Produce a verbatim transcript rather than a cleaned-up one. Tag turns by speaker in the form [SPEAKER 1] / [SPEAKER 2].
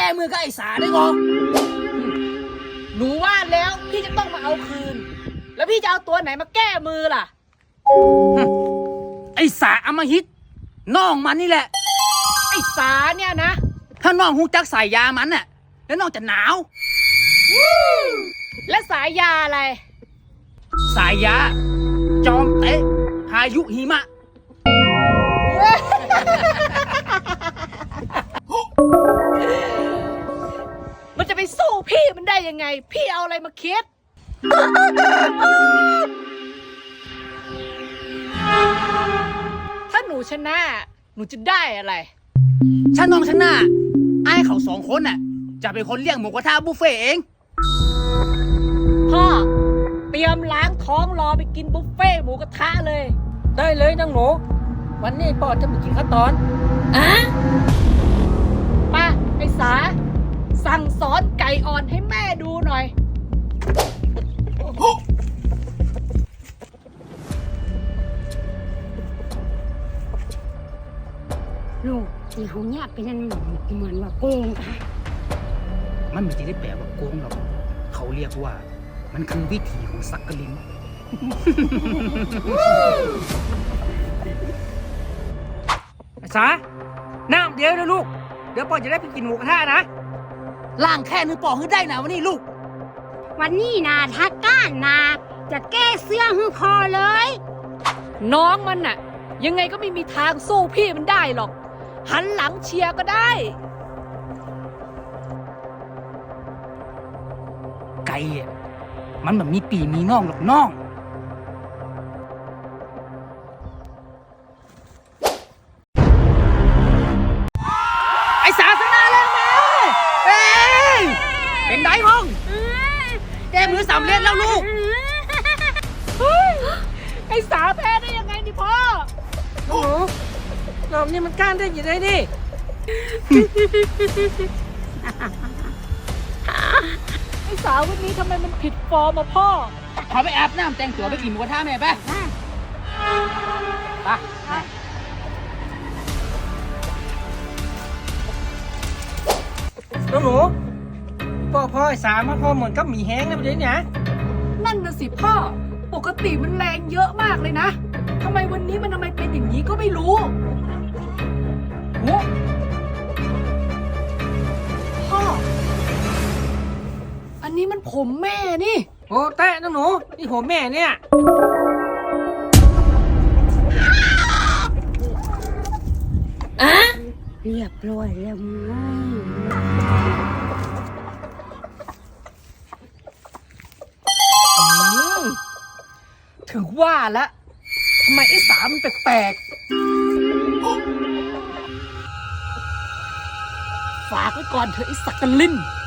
[SPEAKER 1] ก้มือกับไอ้สาได้ก่อนหนูว่าแล้วพี่จะต้องมาเอาคืนแล้วพี่จะเอาตัวไหนมาแก้มือล่ะไอ้สาอำมหิตน้องมันนี่แหละไอ้สาเนี่ยนะถ้าน้องหูจักสายยามันน่ะแล้วน้องจะหนาวและสายยาอะไรสายยาจอมเตะพายุหิมะมันจะไปสู้พี่มันได้ยังไงพี่เอาอะไรมาคิดถ้าหนูชนะหนูจะได้อะไรถ้าน้องชนะไอ้เขาสองคนน่ะจะเป็นคนเลี้ยงหมูกระทะบุฟเฟ่เองพ่อเตรียมล้างท้องรอไปกินบุฟเฟ่หมูกระทะเลยได้เลยนางหนูวันนี้พ่อจะไปกินข้าวตอนอะป้าไอ้สาสั่งสอนไก่อ่อนให้แม่ดูหน่อย
[SPEAKER 2] ลูกที่เขาเนี่ยเป็นนั่นเหมือนว่าโกง
[SPEAKER 1] มันไม่ได้แปลว่าโกงหรอกเขาเรียกว่ามันคือวิถีของสักกลินสาน้ำเดี๋ยวนะลูกเดี๋ยวปอจะได้ไปกินหมูกระทะนะล่างแค่นึงปอให้ได้นะวันนี้ลูก
[SPEAKER 2] วันนี้นะถ้าก้านนะจะแก้เสื้อให้พอเลย
[SPEAKER 3] น้องมันน่ะยังไงก็ไม่มีทางสู้พี่มันได้หรอกหันหลังเชียร์ก็ได้
[SPEAKER 1] ไก่อ่ะมันแบบมีปีมีน่องหรอกน้องไอ้สาสนาแล้วแม่เอ้ยเป็นไดพ้องแก้มือสามเล่นแล้วลูก
[SPEAKER 3] ไอ้สาแพ้ได้ยังไงนี่พ่อ
[SPEAKER 4] โอ้โหรอบนี้มันก้านได้ยังไงนี่
[SPEAKER 3] ไอ้สาวันนี้ทำไมมันผิดฟอร์มอะพ่อ
[SPEAKER 1] ขอไปอาบน้ำแต่งตัวไปกินหมูกระทะแม่ไปไป
[SPEAKER 4] น้องหนูพ่อพ่อไอ้สามพ่อเหมือนกับหมีแห้งนะประเดี๋ยวนี้นะ
[SPEAKER 3] นั่นน่ะสิพ่อปกติมันแรงเยอะมากเลยนะทำไมวันนี้มันทำไมเป็นอย่างนี้ก็ไม่รู้โอ้พ่ออันนี้มันผมแม่นี่
[SPEAKER 4] โอ้แตะน้องหนูนี่ผมแม่เนี่ย
[SPEAKER 2] อะเรียบร้อยแล้วมั้ง
[SPEAKER 3] ถึงว่าละทำไมไอ้สามันแปลกๆฝากไว้ก่อนเถอะไอ้สักกะลิน